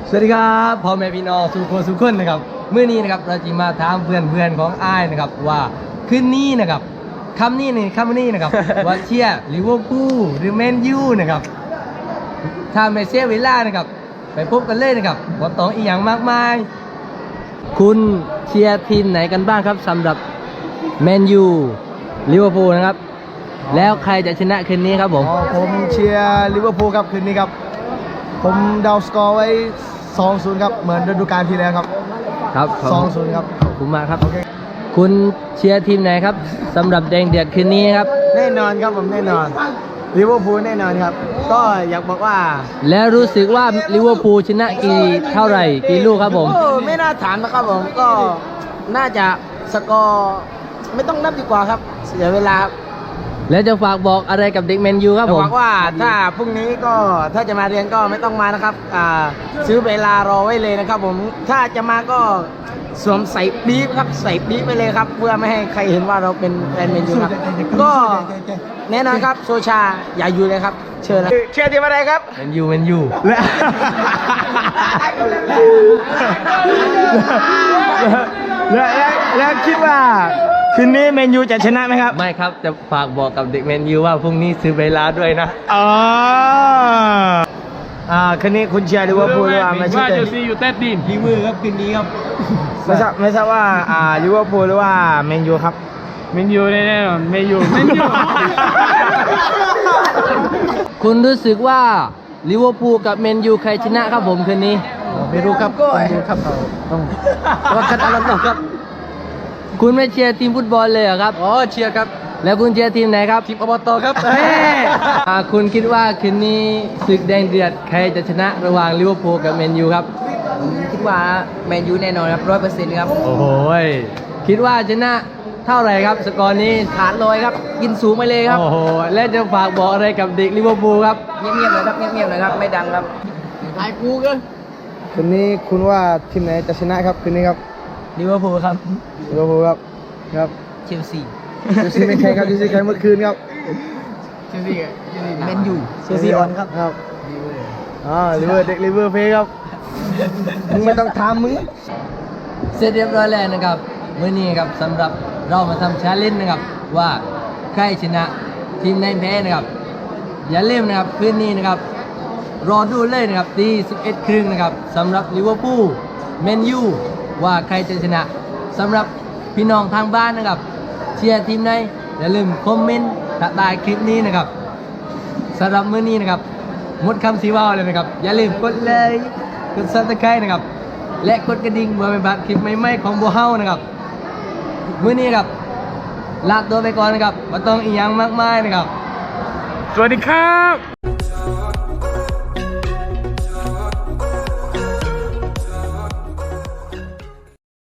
สวัสดีครับพ่อแม่พี่น้องสุขคนนะครับเมื่อนี้นะครับเราจะมาถามเพื่อนของอ้ายนะครับว่าคืนนี้นะครับคำนี้นะครับ ว่าเชียร์ลิเวอร์พูลหรือแมนยูนะครับถ้าไม่เสียเวลานะครับไปพบกันเลยนะครับว่าต้องอีกอย่างมากมายคุณเชียร์ทีมไหนกันบ้างครับสำหรับแมนยูลิเวอร์พูลนะครับแล้วใครจะชนะคืนนี้ครับผมผมเชียร์ลิเวอร์พูลครับคืนนี้ครับผมเดาสกอร์ไว้ 2-0 ครับเหมือนฤดูกาลที่แล้วครับครับ 2-0 ครับขอบคุณมากครับคุณเชียร์ทีมไหนครับสำหรับแดงเดือดคืนนี้ครับแน่นอนครับผมแน่นอนลิเวอร์พูลแน่นอนครับก็อยากบอกว่าแล้วรู้สึกว่าลิเวอร์พูลชนะเท่าไหร่กี่ลูกครับผมไม่น่าถามนะครับผมก็น่าจะสกอร์ไม่ต้องนับดีกว่าครับเสียเวลาครับแล้วจะฝากบอกอะไรกับเด็กแมนยูครับผมบอกว่าถ้าพรุ่งนี้ก็ถ้าจะมาเรียนก็ไม่ต้องมานะครับซื้อเวลารอไว้เลยนะครับผมถ้าจะมาก็สวมใส่ปี๊บครับใส่ปี๊บไปเลยครับเพื่อไม่ให้ใครเห็นว่าเราเป็นแฟนแมนยูครับก็แน่นอนครับโซชาอย่าอยู่เลยครับเชิญนะเชียร์ทีมอะไรครับแมนยูแล้วคิดว่าคืนนี้แมนยูจะชนะไหมครับไม่ครับจะฝากบอกกับเด็กแมนยูว่าพรุ่งนี้ซื้อเวลาด้วยนะอ๋อคืนนี้คุณเชียร์ลิเวอร์พูลหรือว่าแมนเชสเตอร์ลิเวอร์ครับคืนนี้ครับไม่ทราบว่าลิเวอร์พูลหรือว่าแมนยูครับแมนยูแน่นอนแมนยูคุณรู้สึกว่าลิเวอร์พูลกับแมนยูใครชนะครับผมคืนนี้ไม่รู้ครับไม่รู้ครับต้องว่ากันอะไรต่อครับคุณไม่เชียร์ทีมฟุตบอลเลยเหรอครับอ๋อเชียร์ครับแล้วคุณเชียร์ทีมไหนครับทีมอบตครับคุณคิดว่าคืนนี้ศึกแดงเดือดใครจะชนะระหว่างลิเวอร์พูลกับแมนยูครับคิดว่าแมนยูแน่นอนครับ100%ครับโอ้โหคิดว่าชนะเท่าไหร่ครับสกอร์นี้ฐานลอยครับกินสูงไปเลยครับโอ้โหและจะฝากบอกอะไรกับเด็กลิเวอร์พูลครับเงียบๆเลยครับเงียบๆเลยครับไม่ดังครับคืนนี้คุณว่าทีมไหนจะชนะครับคืนนี้ครับลิเวอร์พูลครับลิเวอร์พูลครับครับเชลซียูซีไม่แข่งครับยูซีแข่งเมื่อคืนครับแมนยูเชลซีออนครับครับลิเวอร์เด็กลิเวอร์เพย์ครับมึงไม่ต้องทำมึงเสร็จเรียบร้อยแล้วนะครับมื้อนี้ครับสำหรับเรามาทำชาเลนจ์นะครับว่าใครชนะทีมไหนแพ้นะครับอย่าลืมนะครับคืนนี้นะครับรอดูเลยนะครับตี 11 ครึ่งนะครับสำหรับลิเวอร์พูลแมนยูว่าใครจะชนะสำหรับพี่น้องทางบ้านนะครับเชียร์ทีมไหนอย่าลืมคอมเมนต์ใต้คลิปนี้นะครับสำหรับมื้อนี้นะครับหมดคำสีว่าวเลยนะครับอย่าลืมกดเลยกด Subscribe นะครับและกดกระดิ่งเพื่อไม่พลาดคลิปใหม่ๆของบัวเฮานะครับมื้อนี้ครับลาตัวไปก่อนนะครับไม่ต้องอีกอย่างมากมายนะครับสวัสดีครับ